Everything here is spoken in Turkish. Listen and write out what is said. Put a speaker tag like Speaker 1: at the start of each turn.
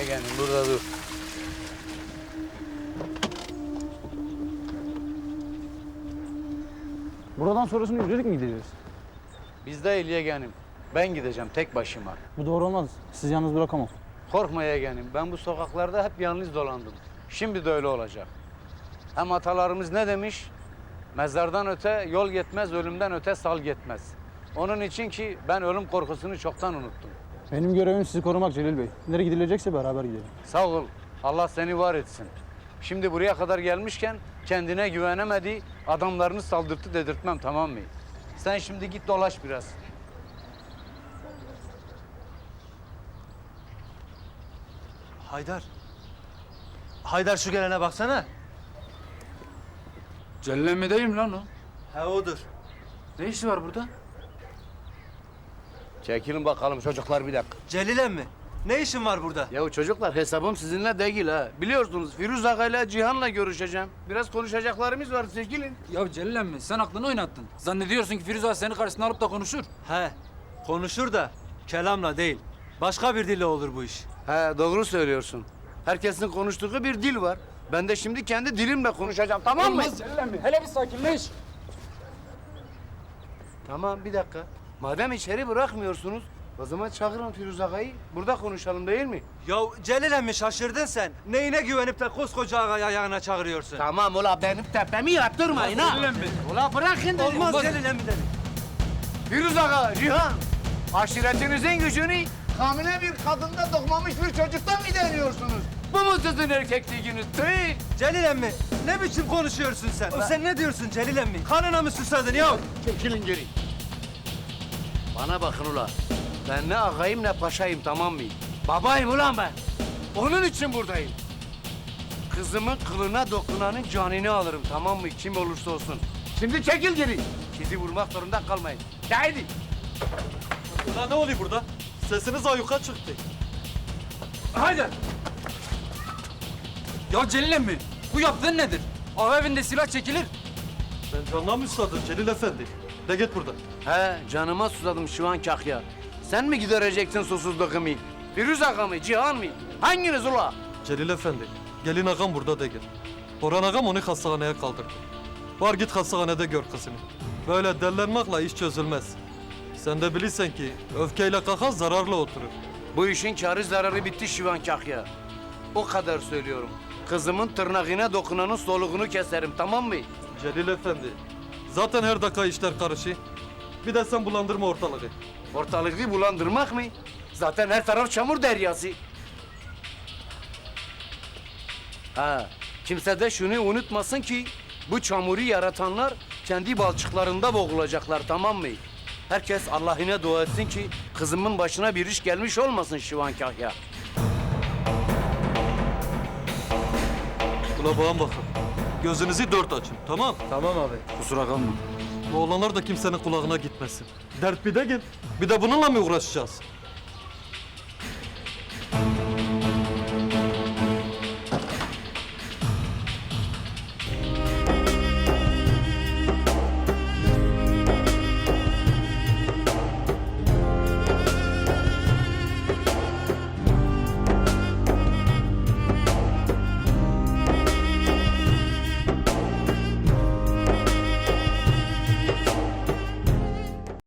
Speaker 1: yeğenim, burada dur.
Speaker 2: Buradan sonrasını yürüyerek mi gideceğiz?
Speaker 1: Biz değil yeğenim. Ben gideceğim tek başıma.
Speaker 2: Bu doğru olmaz. Sizi yalnız bırakamam.
Speaker 1: Korkma yeğenim, ben bu sokaklarda hep yalnız dolandım. Şimdi de öyle olacak. Hem atalarımız ne demiş? Mezardan öte yol gitmez, ölümden öte sal gitmez. Onun için ki ben ölüm korkusunu çoktan unuttum.
Speaker 2: Benim görevim sizi korumak Celil Bey. Nereye gidilecekse beraber gidelim.
Speaker 1: Sağ ol, Allah seni var etsin. Şimdi buraya kadar gelmişken kendine güvenemedi, adamlarını saldırttı dedirtmem, tamam mı? Sen şimdi git dolaş biraz.
Speaker 3: Haydar. Haydar şu gelene baksana.
Speaker 4: Celil mi değil mi lan o?
Speaker 3: He odur.
Speaker 4: Ne işi var burada?
Speaker 1: Çekilin bakalım çocuklar bir dakika.
Speaker 3: Celil emmi. Ne işin var burada?
Speaker 1: Ya çocuklar hesabım sizinle değil ha. Biliyorsunuz Firuz Aga'yla Cihan'la görüşeceğim. Biraz konuşacaklarımız var, çekilin.
Speaker 4: Ya Celil emmi sen aklını oynattın. Zannediyorsun ki Firuze seni karşısına alıp da konuşur.
Speaker 3: He. Konuşur da kelamla değil. Başka bir dille olur bu iş.
Speaker 1: He doğru söylüyorsun. Herkesin konuştuğu bir dil var. Ben de şimdi kendi dilimle konuşacağım, tamam mı?
Speaker 4: Olmaz Celil emmi. Hele bir sakinleş.
Speaker 1: Tamam bir dakika. Madem içeri bırakmıyorsunuz, o zaman çağırın Firuz Aga'yı. Burada konuşalım değil mi?
Speaker 3: Ya Celil emmi şaşırdın sen. Neyine güvenip de koskoca ağayı ayağına çağırıyorsun?
Speaker 1: Tamam ula benim tepemi yaptırmayın ha.
Speaker 4: Celil emmi.
Speaker 1: Ula bırakın dedim.
Speaker 3: Olmaz Celil emmi dedim.
Speaker 1: Firuz Aga, Cihan. Aşiretinizin gücünü hamile bir kadında doğmamış bir çocuktan mı deniyorsunuz? Bu mu sizin erkekliğiniz? Tüy!
Speaker 3: Celil emmi ne biçim konuşuyorsun sen? Sen ne diyorsun Celil emmi? Kanına mı susadın ya?
Speaker 1: Çekilin geri. Bana bakın ula. Ben ne ağayım ne paşayım, tamam mı? Babayım ulan ben. Onun için buradayım. Kızımın kılına dokunanın canını alırım, tamam mı? Kim olursa olsun. Şimdi çekil geri. Sizi vurmak zorunda kalmayın. Haydi.
Speaker 3: Ulan ne oluyor burada? Sesiniz ayuka çıktı.
Speaker 4: Haydi. Ya Celil emmi bu yaptığın nedir? Ağa evinde silah çekilir.
Speaker 5: Sen canına mı susadın Celil Efendi? De git buradan.
Speaker 1: He, canıma susadım şu an kahya. Sen mi gidereceksin susuzluğumu? Firuz Aga mı, Cihan mı? Hanginiz ula?
Speaker 5: Celil Efendi, gelin ağam burada de gel. Orhan ağam onu hastaneye kaldırdı. Var git hastanede gör kızını. Böyle dellenmekle iş çözülmez. Sen de bilirsen ki öfkeyle kalkan zararlı oturur.
Speaker 1: Bu işin kârı zararı bitti Şivan Kahya. O kadar söylüyorum. Kızımın tırnağına dokunanın soluğunu keserim, tamam mı?
Speaker 5: Celil Efendi, zaten her dakika işler karışır. Bir de sen bulandırma ortalığı.
Speaker 1: Ortalığı bulandırmak mı? Zaten her taraf çamur deryası. Ha, kimse de şunu unutmasın ki bu çamuru yaratanlar kendi balçıklarında boğulacaklar, tamam mı? Herkes Allah'ına dua etsin ki kızımın başına bir iş gelmiş olmasın Şivan Kahya.
Speaker 5: Ula bağım bakın. Gözünüzü dört açın, tamam?
Speaker 3: Tamam abi.
Speaker 1: Kusura kalma.
Speaker 5: Bu olanlar da kimsenin kulağına gitmesin. Dert bir de gel. Bir de bununla mı uğraşacağız?